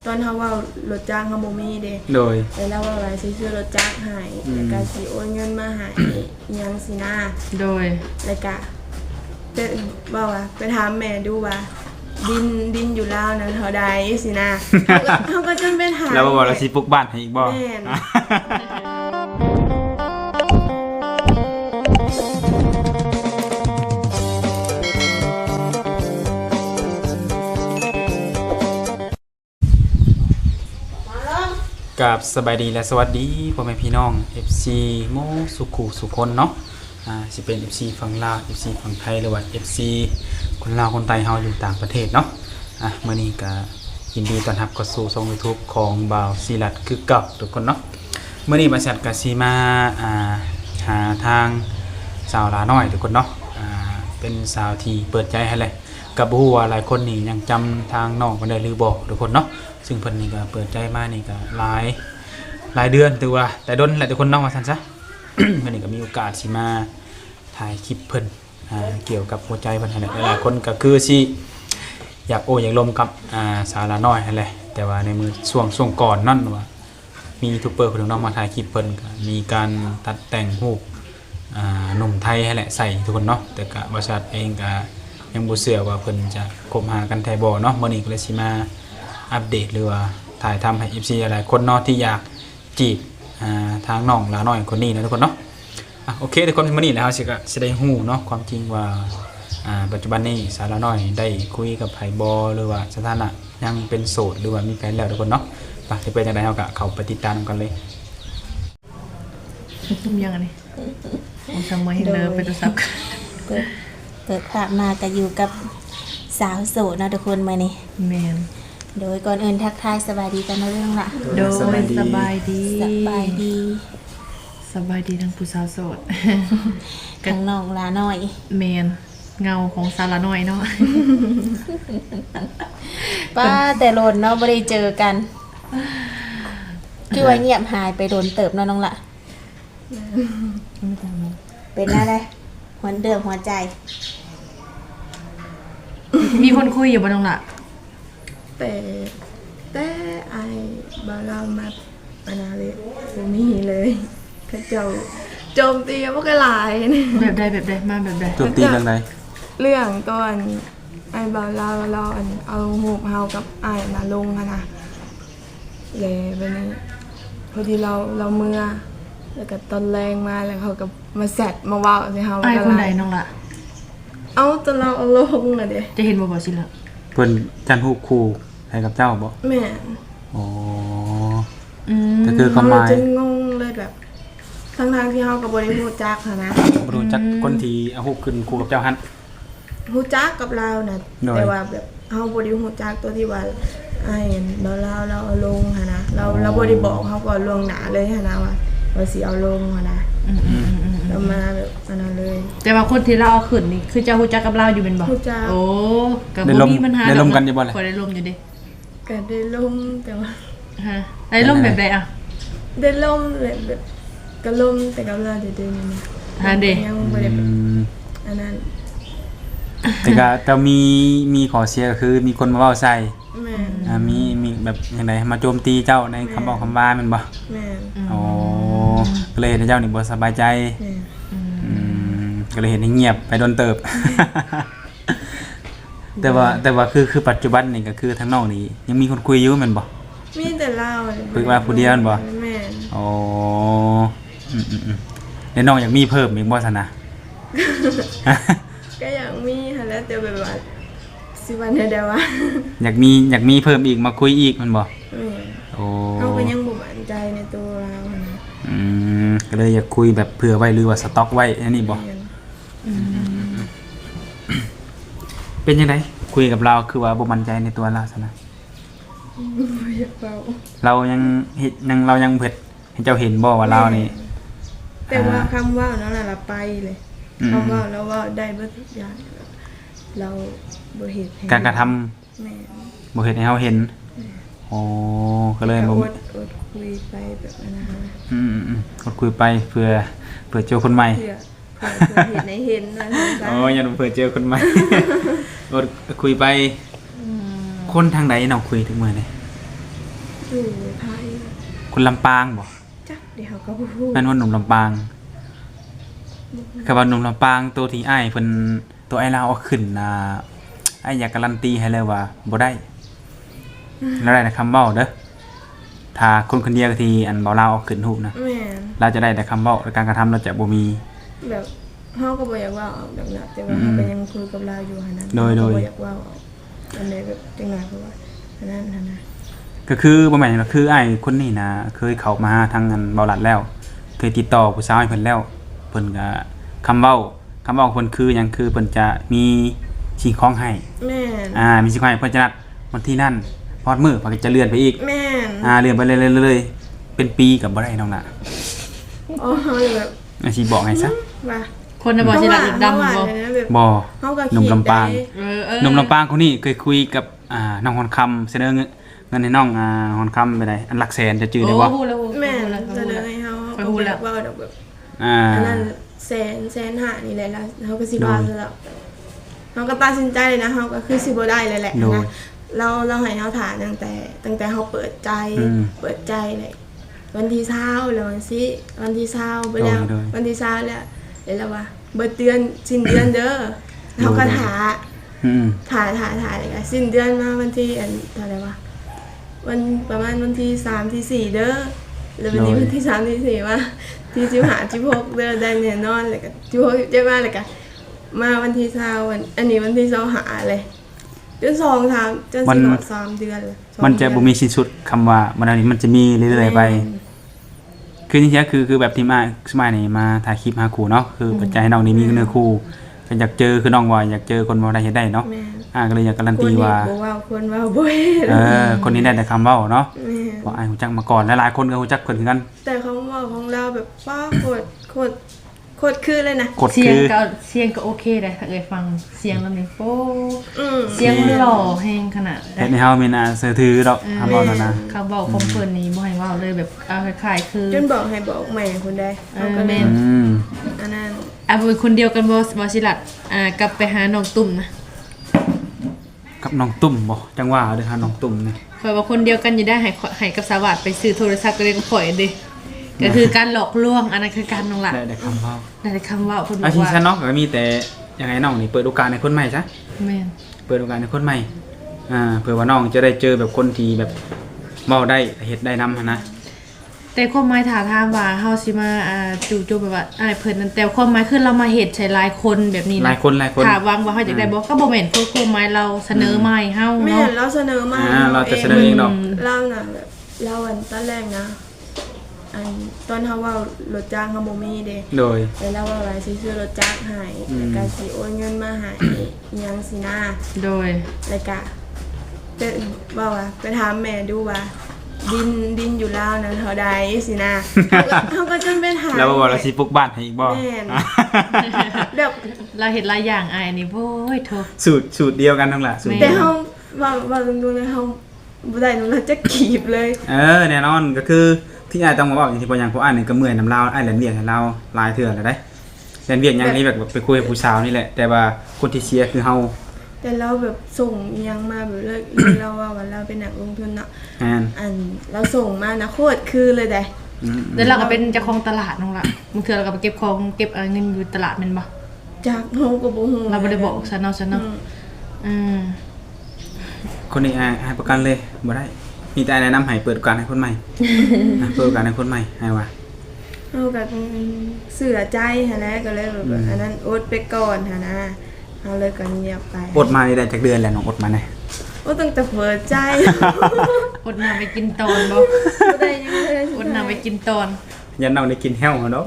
ตอนเขาว่ารถจ้างเขาบ่มีเด้โดยแล้วว่าอะไรซื้อรถจ้างให้แล้วก็สิโอนเงินมาให้ยังสินะโดยแล้วก็เป็นว่าไปถามแม่ดูว่าดินอยู่ลาวนั้นเท่าใดสินะเขาก็จนไปถามแล้วบอกเราสิปลูกบ้านให้อีกบ่แม่นกับสบายดีและสวัสดีพ่อแม่พี่น้อง FC โมสุขุสุคนเนาะสิเป็น FC ฝั่งลาว FC ฝั่งไทยหรือว่า FC คนลาวคนไทยเฮาอยู่ต่างประเทศเนาะมื้อนี้ก็ยินดีต้อนรับเข้าสู่ช่อง YouTube ของบ่าวศิรัตน์คือเก่าทุกคนเนาะมื้อนี้บริษัทก็สิมาหาทางสาวลาน้อยทุกคนเนาะเป็นสาวที่เปิดใจให้เลยกับบ่ฮู้ว่าหลายคนนี่ยังจำทางน้องบ่ได้หรือบ่ทุกคนเนาะซึ่งเพิ่นนี่ก็เปิดใจมานี่ก็หลายเดือนถือว่าแต่ดนหลายทุกคนเนาะว่าซั่นซะ มื้อนี้ก็มีโอกาสสิมาถ่ายคลิปเพิ่นเกี่ยวกับหัวใจเพิ่นนั่นแหละหลายคนก็คือสิอยากอยากลมกับสาวลาน้อยนั่นแหละแต่ว่าในมือช่วงก่อนนั่นว่ามียูทูบเบอร์คนนึงเนาะมาถ่ายคลิปเพิ่นก็มีการตัดแต่งรูปหนุ่มไทยให้แหละใส่ทุกคนเนาะแต่ก็บริษัทเองก็ยังบ่เชื่อว่าเพิ่นจะคบหากันแท้บ่เนาะมื้อนี้ก็เลยสิมาอัปเดตหรือว่าถ่ายทำให้ FC หลายคนเนาะที่อยากจีบทางน้องลาน้อยคนนี้นะทุกคนเนาะโอเคทุกคนมื้อนี้แล้วสิได้ฮู้เนาะความจริงว่าปัจจุบันนี้สาวลาน้อยได้คุยกับไผบ่หรือว่าสถานะยังเป็นโสดหรือว่ามีแฟนแล้วทุกคนเนาะจะเป็นจังได๋เฮาก็เข้าไปติดตามกันเลยยังไงผมสั่งมาให้เลิฟไปตัวซับเปิดภาพมาก็อยู่กับสาวโสดนะทุกคนมานี่แมนโดยก่อนอื่นทักทายสบายดีกันนะเรื่องละโดยสบายดีสบายดีทั้งผู้สาวโสดทั้งน้องลาน้อยแมนเงาของสาวลาน้อยเนาะป้าแต่โดนเนาะไม่ได้เจอกันคือว่าเงียบหายไปโดนเติบเนาะน้องละเป็นอะไรหัวเดิมหัวใจมีคนคุยอยู่บ้านน้องละแต่ไอ้บ่เรามาอันนั้นเลยบ่มีเลยเขาเจ้าโจมตีพวกหลายแบบใดมาแบบใดโจมตีเรื่องใดเรื่องตอนไอ้บ่เราเอารูปเฮากับไอ้มาลงนะเลยบัดนี้พอดีเราเมื่อแล้วก็ตอนแรงมาแล้วเขาก็มาแซดมาว่าใส่เฮาไอ้คนใดน้องละเอาตอนเราเอาลงน่ะเด้จะเห็นบ่สิล่ะเพิ่นจันฮู้คู่ให้กับเจ้าบ่แม่อ๋อแต่คือความหมายจนงงเลยแบบทั้งที่เฮาก็บ่ได้ฮู้จักหันนะบ่รู้จักคนที่เอาฮู้ขึ้นคู่กับเจ้าหั่นฮู้จักกับเราน่ะแต่ว่าแบบเฮาบ่ได้ฮู้จักตัวที่ว่าไอ้เราเอาลงหั่นนะเราบ่ได้บอกเฮาก่อนล่วงหน้าเลยหั่นนะว่าสิเอาลงหั่นนะเรามาแบบอันนั้นเลยแต่ว่าคนที่เราเอาขึ้นนี่คือเจ้าฮู้จักกับเราอยู่เป็นบ่ฮู้จักโอ้ก็บ่มีปัญหาได้ลมกันอยู่บ่ล่ะก็ได้ลมอยู่ดิก็ได้ลมแต่ว่าได้ลมแบบใดอ่ะได้ลมแบบก็ลมแต่กับเราเดี๋ยวนี่เด้ยังบ่ได้อันนั้นแต่มีขอเสียก็คือมีคนมาเว้าใส่แม่มีแบบจังได๋มาโจมตีเจ้าในคำบอกคำว่าแม่นบ่แม่อ๋อก็เลยเห็นเจ้านี่บ่สบายใจก็เลยเห็นให้เงียบไปโดนเติบ แต่ว่าคือปัจจุบันนี่ก็คือทางนอกนี่ยังมีคนคุยอยู่แม่นบ่มีแต่เราคุยว่าผู้เดียวแม่นบ่แม่อ๋อแล้วน้องอยากมีเพิ่มอีกบ่ซั่นน่ะก็อยากมีหั่นแหละแต่แบบว่าสิวันเดียวว่าอยากมีเพิ่มอีกมาคุยอีกแม่นบ่โอ้เราก็ยังบ่มั่นใจในตัวเราก็เลยอยากคุยแบบเผื่อไว้หรือว่าสต็อกไว้อันนี้บ่เป็นยังไงคุยกับเราคือว่าบ่มั่นใจในตัวเราซะนะเรายังเรายังเผ็ดให้เจ้าเห็นบ่ว่าเรานี่แต่ว่าคำว่านั่นน่ะเราไปเลยคำว่าแล้วว่าได้เบิดทุกอย่างเราบ่เฮ็ดให้การกระทำแม่บ่เฮ็ดให้เฮาเห็นอ๋อก็เลยบ่อดคุยไปแบบนั้นนะคะอดคุยไปเพื่อเจอคนใหม่เพื่อเห็นให้เห็นว่าซั่นอ๋ออย่าเพื่อเจอคนใหม่อดคุยไปคนทางใดเนาะคุยถึงมื้อนี้อยู่ไทยคนลำปางบ่จักเดี๋ยวก็บ่ฮู้แม่นว่าหนุ่มลำปางคือว่าหนุ่มลำปางตัวที่อ้ายเพิ่นตัวไอ้ลาวเอาขึ้นอ้ายอยากการันตีให้เลยว่าบ่ได้แล้วได้แต่คำเว้าเด้อถ้าคนคนเดียวที่อันเบาลาวเอาขึ้นรูปนะแม่นเราจะได้แต่คำเว้าและการกระทำเราจะบ่มีแบบเฮาก็บ่อยากเว้าออกดังนั้นแต่ว่าเฮาก็ยังคุยกับเราอยู่หั่นนั้นโดยเฮาก็บ่อยากเว้าออกอันใดแบบจังได๋เพราะว่าอันนั้นหั่นนะก็คือบ่แม่นก็คืออ้ายคนนี้นะเคยเข้ามาทางอันเบาหลัดแล้ว เคยติดต่อผู้สาวให้เพิ่นแล้วเพิ่นก็คำเว้าของเพิ่นคือหยังคือเพิ่นจะมีสิ่งของให้แม่นมีสิ่งของให้เพิ่นจะนัดวันที่นั่นพอดมื้อเพิ่นก็จะเลื่อนไปอีกแม่นเลื่อนไปเรื่อยๆเป็นปีก็บ่ได้น้องน่ะอ๋อเฮาเลยแบบสิบอกให้ซะว่าคนน่ะบ่สิรักอีกดำเฮาบ่ว่าเลยนะแบบบ่เฮาก็หนุ่มลำปางคิดได้หนุ่มลำปางคนนี้เคยคุยกับน้องฮอนคำเสนอเงินให้น้องฮอนคำไปได้อันหลักแสนจะจื้อได้บ่โอ้ฮู้แล้วแม่นเสนอให้เฮาไปฮู้แล้วว่าดอกแบบอ่าอันนั้นแสนหานี่แหละแล้วเฮาก็สิว่าซะแล้วเฮาก็ตัดสินใจเลยนะเฮาก็คือสิบ่ได้เลยแหละนะเราให้เฮาถามตั้งแต่เฮาเปิดใจเลยวันที่20แล้ววันที่20ไปแล้ววันที่20แล้วแล้วว่าเบิดเดือนสิ้นเดือนเด้อเฮาก็ถาอืมถ่ายเลยค่ะสิ้นเดือนมาวันที่เท่าไหร่วะวันประมาณวันที่3ที่4เด้อแล้ววันนี้วันที่3ที่4ว่าที่15 16เด้อได้แน่นอนเลยก็16 17มาเลยก็มาวันที่20วันอันนี้วันที่25เลยจน2 3จนสิบ3เดือนเลยมันจะบ่มีสิ้นสุดคำว่ามันอันนี้มันจะมีเรื่อยๆไป คือจริงๆคือแบบที่มาสมัยนี้มาถ่ายคลิปหาคู่เนาะคือปัจจัยให้น้องนี่มีเนื้อคู่ก็อยากเจอคือน้องว่าอยากเจอคนบ่ได้เฮ็ดได้เนาะแม่ก็เลยอยากการันคนตีนี้ว่าบ่ว่าคนว่าบ่เฮ็ดคนนี้ได้แต่คำเว้าเนาะแม่ว่าอ้ายฮู้จักมาก่อนหลายๆคนก็ฮู้จักเพิ่นคือกันแต่เขาว่าของเราแบบป้าโคตรคือเลยนะกดเสียคืงอก็เสียงก็โอเคได้ถ้าเอ่ยฟังเสียงแล้วนี่โป๊มเสียงหล่อแฮงขนาดเฮ็ดให้เฮามีน่าเชื่อถือดอกคำเว้านั่นนะเขาบอกของเพิ่นนี่บ่ให้เว้าเลยแบบเอาคล้ายๆคือจนบอกให้บอกใหม่คนใดเขาก็แม่เล่นอืมอันนั้นเป็นคนเดียวกันบ่สิลัดกลับไปหาน้องตุ่มนะกับน้องตุ่มบ่จังว่าเด้อค่ะน้องตุ่มนี่ข่อยว่าคนเดียวกันอยู่ได้ให้กับสวัสดิ์ไปซื้อโทรศัพท์ก็เลยก็ข่อยเด้ก็คือการหลอกลวงอันนั้นคือการน้องละได้แต่คำเว้าได้แต่คำเว่าเพิ่นบอาอกชีพว่าฉันเนาะก็มีแต่ยังไงน้องนี่เปิดโอกาสให้คนใหม่ซะแม่นเปิดโอกาสให้คนใหม่เผื่อว่าน้องจะได้เจอแบบคนที่แบบเว้าได้เฮ็ดได้นำหั้นนะแต่ความหมายถามว่าเฮาสิมาจู่โจมแบบว่าเพิ่นนั่นแต่ความหมายคือเรามาเฮ็ดใช้หลายคนแบบนี้นะหลายคนถ้าหวังว่าเฮาจะได้บ่ก็บ่แม่นคือความหมายเราเสนอมาให้เฮาไม่เนาะเห็นเราเสนอมาเราจะเสนอเองดอกเราน่ะแบบเราอันตอนแรกนะอันตอนเฮาว่ารถจ้างเฮาบ่มีเด้โดยแล้วเราว่าสิซื้อรถจ้างให้แล้วก็สิโอนเงินมาให้อิหยังสินะโดยแล้วก็เป็นว่าไปถามแม่ดูว่าดินอยู่ลาวนะเท่าใดสินะเขาก็จนไปถามแล้วบอกเราสิปลุกบ้านให้อีกบ่แม่น แบบเราเฮ็ดหลายอย่างอ้ายนี่โว้ยโทสูตรเดียวกันทั้งหลายสูตรแต่เดียวเฮาว่าดูเลยเฮาบ่ได้นูจะกีบเลยแน่นอนก็คือที่อ้ายต้องมาบอกอย่างที่บ่อย่างเพราะอ้ายนี่ก็เมื่อยนำลาวอ้ายแล่นเวียกให้เราหลายเทื่อแล้วได้แล่นเวียกอย่างนี้แบบไปคุยกับผู้สาวนี่แหละ แต่ว่าคนที่เสียคือเฮาแต่เราแบบส่งอิหยังมาแบบเลยเราว่าเราเป็นนักลงทุนเนาะแม่นอันเราส่งมานะโคตรคือเลยได้แล้วเราก็เป็นเจ้าของตลาดน้องละบางเทื่อเราก็ไปเก็บของเก็บเงินอยู่ตลาดแม่นบ่จากเฮาก็บ่ฮู้เราบ่ได้บอกซะเนาะคนนี้อ้ายประกันเลยบ่ได้มีแต่แนะนำให้เปิดโอกาสให้คนใหม่ เปิดโอกาสให้คนใหม่ให้ว่าเฮาก็เสือใจหั่นแหละก็เลยแบบอันนั้นอดไปก่อนหั่นนะเฮาเลยก็เงียบไปอดมานี่ได้จักเดือนแล้วน้องอดมาได้โอ้ตั้งแต่เปิดใจอดน้ำไปกินตอนบ่บ่ได้ยังเลยอดน้ำไปกินตอนยันน้องได้กินแห้วเนาะ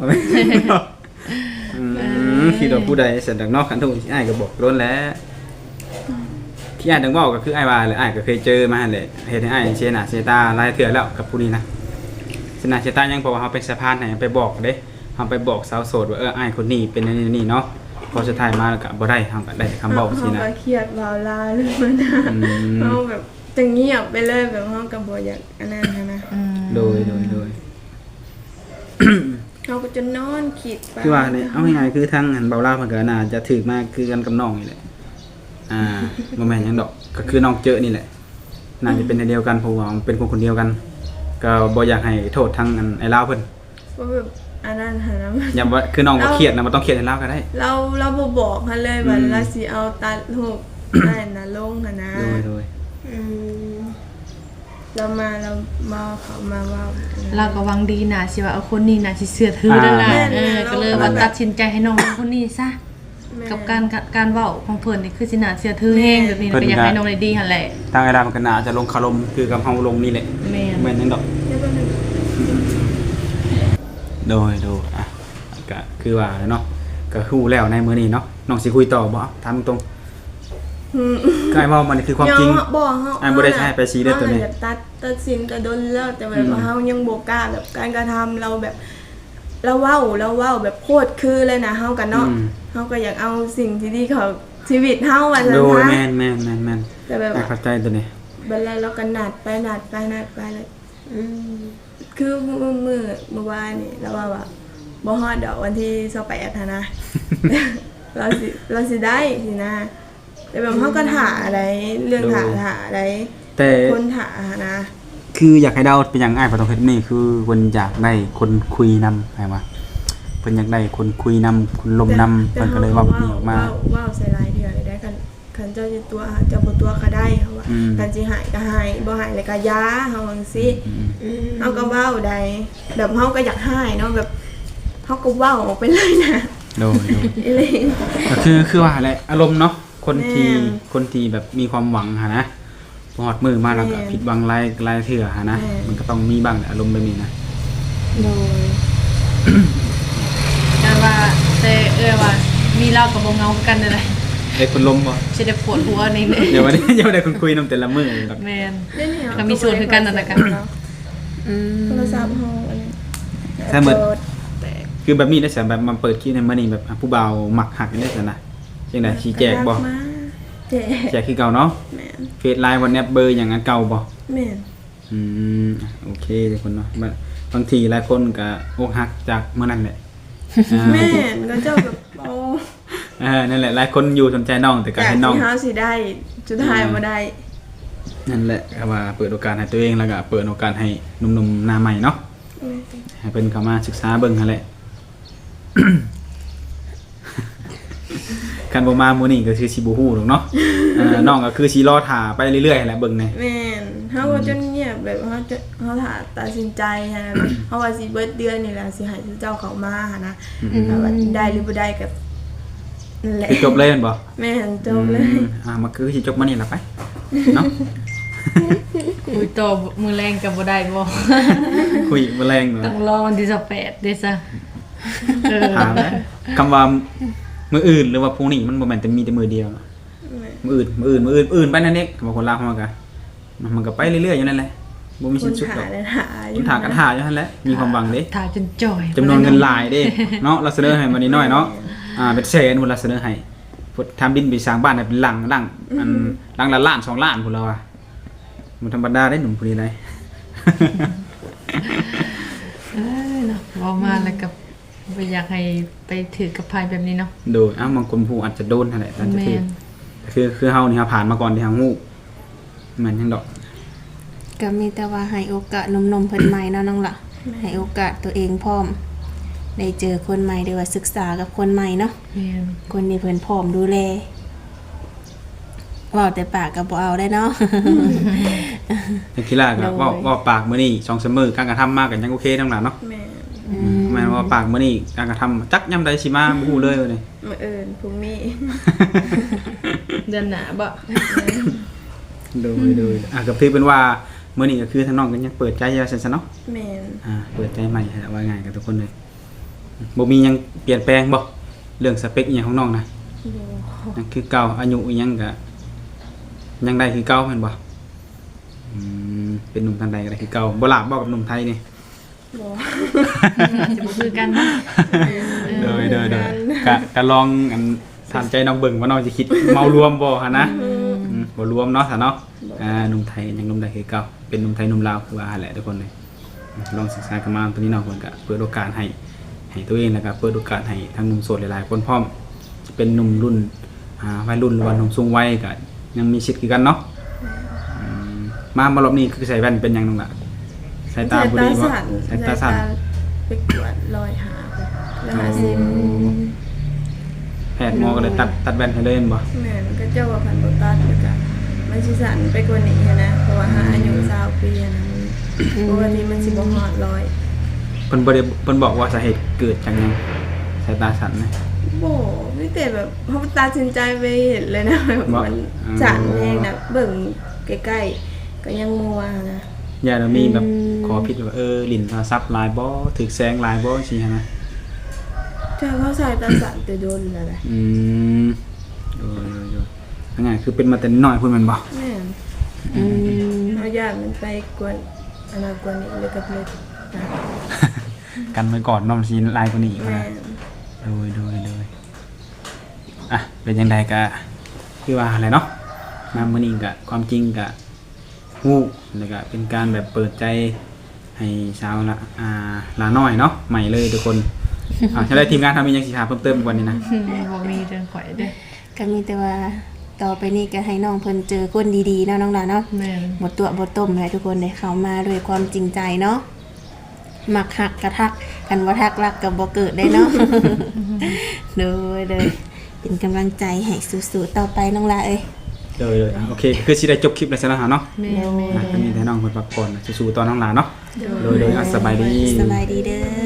คิดว่าผู้ใดเสร็จจากนอกคันทุกอ้ายก็บอกล้นแล้วที่อ้ายต้องเว้าก็คืออ้ายว่าเลยอ้ายก็เคยเจอมาหั่นแหละเฮ็ดให้อ้ายเสียหน้าเสียตาหลายเทื่อแล้วกับผู้นี้นะเสียหน้าเสียตายังเพราะว่าเฮาเป็นสะพานให้ไปบอกเด้เฮาไปบอกสาวโสดว่าอ้ายคนนี้เป็นนี่เนาะพอสุดท้ายมาแล้วก็บ่ได้เฮาก็ได้แต่คำเว้าซี่นะเฮาก็เครียดเว้าลาเลยมันนะเฮาแบบจะเงียบไปเลยแบบเฮาก็บ่อยากอันนั้นหั้นนะโดยเฮาก็จะนอนคิดไปคือว่าเนี่ยเอาง่ายๆคือทางหันเบาลาวเพิ่นก็น่าจะถึกมากคือกันกับน้องนี่แหละบ่แม่นหยังดอกก็คือน้องเจอนี่แหละน่าจะเป็นอันเดียวกันเพราะว่ามันเป็นคนคนเดียวกันก็บ่อยากให้โทษทางอันไอ้ลาวเพิ่นว่าแบบอันนั้นหานะอย่าว่าคือน้องบ่เครียดนะบ่ต้องเครียดให้ลาวก็ได้เราบ่บอกหันเลยว่าอืมเราสิเอาตัดรูปนั่นน่ะลงหั่นนะโดยอืมเรามาเขามาว่าเราก็หวังดีน่ะสิว่าเอาคนนี้น่ะสิเชื่อถือนั่นล่ะแม่นก็เลยว่าตัดสินใจให้น้องคนนี้ซะ กับการเว้าของเพิ่นนี่คือสิน่าเชื่อถือแฮงแบบนี้ก็อยากให้น้องได้ดีหั่นแหละทางไอ้ลาวมันก็น่าจะลงคารมคือกับเฮาลงนี่แหละแม่นแม่นจังดอกเดี๋ยวแป๊บนึงโดยอ่ะก็คือว่าเนาะก็ฮู้แล้วในมื้อนี้เนาะน้องสิคุยต่อบ่ถามตรงๆก็ไอ้เว้ามันคือความจริงบ่เฮาอันบ่ได้ใช้ไปชี้เด้อตัวนี้เฮาแบบตัดสินก็โดนแล้วแต่แบบว่าเฮายังบ่กล้าแบบการกระทำเราแบบเราเว้าแบบโคตรคือเลยนะเฮากันเนาะเฮาก็อยากเอาสิ่งที่ดีของชีวิตเฮาว่าซั่นโดยนะแม่นแต่แบบเข้าใจตัวนี้บัดแล้วเราก็นัดไปเลยอืมคือเมื่อวานนี่เราว่าบ่ฮอดดอกวันที่28หั่นนะ เราสิได้สินะแต่แบบเฮาก็ถ่าอะไรเรื่องถ่าอะไรแต่คนถ่านะคืออยากให้เดาเป็นอย่างอ้ายบ่ต้องเฮ็ดนี่คือเพิ่นอยากได้คนคุยนำไผว่าเพิ่นอยากได้คนคุยนำคนลมนำเพิ่นก็เลยเว้าแบบนี้ออกมาว้าวใส่ลายเถื่อเลยได้คันเจ้าจะตัวเจ้าบ่ตัวก็ได้เฮาว่าอืมคันสิหายก็หายบ่หายเลยก็ยาเฮาจังซี่อืมเฮาก็เว้าได้แบบเฮาก็อยากหายเนาะแบบเฮาก็เว้าออกไปเลยนะโดยอีหลีก็คือว่าแหละอารมณ์เนาะคนที่แม่นคนที่แบบมีความหวังหะนะพอฮอดมือมาแล้วก็แม่นผิดหวังหลายเทื่อหะนะแม่นมันก็ต้องมีบ้างแหละอารมณ์แบบนี้นะโดยแต่ว่าแต่ว่ามีเรากับบ่เงากันนั่นแหละไอ้คนลมบ่สิได้ปวดหัวนี่เดี๋ยววันนี้ ยังไม่ได้คนคุยนำแต่ละมื้อดอกแม่นเล่นเนี่ยก็มีส่วนคือกันนั่นแหละกันอืมโทรศัพท์เฮาอันนี้ใช่เหมือนแตกคือแบบนี้ได้สิแบบมาเปิดคลิปในมื้อนี้แบบผู้บ่าวหมักหักกันได้ซั่นนะจังได๋ชี้แจกบ่มาแจกแจกคือเก่าเนาะแม่นเฟซไลน์วันแนบเบอร์อย่างนั้นเก่าบ่แม่นอืมโอเคทุกคนเนาะบางทีหลายคนก็อกหักจากเมื่อนั้นแหละอ่าแม่นก็เจ้าแบบโอ้นั่นแหละหลายคนอยู่สนใจน้องแต่ก็จากให้น้องที่เฮาสิได้สุดท้ายบ่ได้นั่นแหละก็ว่าเปิดโอกาสให้ตัวเองแล้วก็เปิดโอกาสให้หนุ่มๆหน้าใหม่เนาะให้เพิ่นเข้ามาศึกษาเบิ่งหั่นแหละ คันบ่มามื้อนี้ก็คือสิบ่ฮู้ดอกเนาะน้องก็คือสิรอท่าไปเรื่อยๆแหละเบิ่งแหน่แม่นเฮาก็จนเงียบแบบเฮาถ้าตัดสินใจหั้นนะเฮาว่าสิเบิดเดือนนี่แหละสิให้เจ้าเขามาหั้นนะแต่ว่าได้หรือบ่ได้ก็นั่นแหละคือจบเลยแม่นบ่แม่นจบเลยมาคือสิจบมื้อนี้ล่ะไปเนาะคุยต่อมือแรงกับบ่ได้บ่คุยบ่แรงเนาะต้องรอวันที่28เด้ซะถามแล้วคำว่ามืออื่นหรือว่าพรุ่งนี้มันบ่แม่นแต่มีแต่มือเดียวเนาะมืออื่นไปนั่นเองคำว่าคนลาวมันก็ไปเรื่อยๆอยู่นั่นแหละบ่มีคสิ้นนสุดถ่าหรอกเลยถ่าอคยู่นถามกันหาอยู่นั่นแหละมีความหวังเด้ถ่ายจนจ่อยจำนวนเงินหลายเด้เนาะเราเสนอให้มานิดหน่อยเนาะเป็นแสนพุ่นเราเสนอให้พุทธทำดินไปสร้างบ้านให้เป็นหลังอันหลังละล้าน2ล้านพุ่นเราอ่ะมันธรรมดาได้หนุ่มผู้นี้ได้เนาะเว้ามาแล้วก็บ่อยากให้ไปถือกับภัยแบบนี้เนาะโดยบางคนผู้อาจจะโดนนั่นแหละตามจะแม่คือน คือเฮานี่เฮาผ่านมาก่อนที่เฮาฮู้แม่นจังดอกก็มีแต่ว่าให้โอกาสหนมๆเพิ่นใหม่เนาะน้องล่ะให้โอกาสตัวเองพร้อมได้เจอคนใหม่ได้ว่าศึกษากับคนใหม่เนาะแม่นคนที่เพิ่นพร้อมดูแลเว้าแต่ปากก็บ่เอาได้เนาะแต่กีฬาก็ว่าปากมื้อนี้2-3มื้อการกระทำมากก็ยังโอเคทั้งหลายเนาะแม่นแม่นว่าปากมื้อนี้การกระทำจักยามใดสิมาบ่ฮู้เลยนี่มื้ออื่นพรุ่งนี้เดือนหน้าบ่โดยก็ถือเป็นว่ามื้อนี้ก็คือทางน้องก็ยังเปิดใจอยู่ซั่นๆเนาะแม่นเปิดใจใหม่ฮะว่าง่ายกับทุกคนเลยบ่มีหยังเปลี่ยนแปลงบ่เรื่องสเปคอีหยังของน้องนะบ่ยังคือเก่าอายุอีหยังก็ยังได้คือเก่าแม่นบ่เป็นหนุ่มทันใดก็ได้คือเก่าบ่ลาบบ่กับหนุ่มไทยนี่บ่จะบ่คือกันเนาะโดยก็ลองอันถามใจน้องเบิ่งว่าน้องสิคิดเมารวมบ่หั่นนะบ่รวมเนาะซะเนาะหนุ่มไทยยังหนุ่มใดคือเก่าเป็นหนุ่มไทยหนุ่มลาวคือว่าหั่นแหละทุกคนเลยลองศึกษากันมาตอนนี้น้องเพิ่นก็เปิดโอกาสให้ตัวเองแล้วก็เปิดโอกาสให้ทั้งหนุ่มโสดหลายๆคนพร้อมจะเป็นหนุ่มรุ่นวัยรุ่นหรือว่าหนุ่มสูงวัยก็ยังมีสิทธิ์คือกันเนาะมารอบนี้คือใส่แว่นเป็นหยังนึงล่ะใสายตาบ่ดีบ่สายตาสั่นไปกวดรอยหาไปแล้วหาซิมแพทย์หมอก็เลยตัดแว่นให้เลยแม่นบ่แม่นก็เจ้าว่าพันบ่ตัดแล้วก็มันสิสั่นไปกว่านี้นะเพราะว่าหาอายุ20ปีนะมันปกติมันสิบ่ฮอด100 เพิ่นบ่ได้เพิ่นบอกว่าสาเหตุเกิดจากหยังสายตาสั่นนะบ่มีแต่แบบเฮาตัดสินใจไปเห็นเลยนะแบบบ่มันสั่นแรงนะเบิ่งใกล้ๆก็ยังมัวนะอย่าเรามีแบบขอผิดว่าลิ้นโทรศัพท์หลายบ่ถึกแสงหลายบ่สิฮะนะถ้าเขาใส่ตาสั่นแต่โดนแล้วแหละโดยยังไงคือเป็นมาแต่น้อยพุ่นแม่นบ่แม่นเอาญาติมันไปกวนอนาคตนี้เลยก็เลยตัดกันไว้ก่อนเน้องสิหลายกว่านี้อีกแม่นะนโดยอ่ะเป็นยังไงก็คือว่าอะไรเนาะมามื้อนี้ก็ความจริงก็ฮู้แล้วก็เป็นการแบบเปิดใจให้สาวละลาน้อยเนาะใหม่เลยทุกคนใช่ได้ทีมงานทำอีกยังสิถามเพิ่มเติมอีกวันนี้นะบ่มีเรื่องข่อยเด้อก็มีแต่ว่าต่อไปนี้ก็ให้น้องเพิ่นเจอคนดีๆเนาะน้องหลานเนาะแม่นหมดตัวหมดต้มเลยทุกคนเลยเข้ามาด้วยความจริงใจเนาะมักหักกระทักกันว่าทักรักกับบ่เกิดได้เนาะ เลยเป็นกำลังใจให้สู้ๆต่อไปน้องหลาเอ้ยเลยโอเคคือสิได้จบคลิปแล้วใช่แล้วเนาะแม่นก็มีแต่น้องเพิ่นพักผ่อนสู้ๆตอนน้องหลานเนาะโดยสบายดีสบายดีเด้อ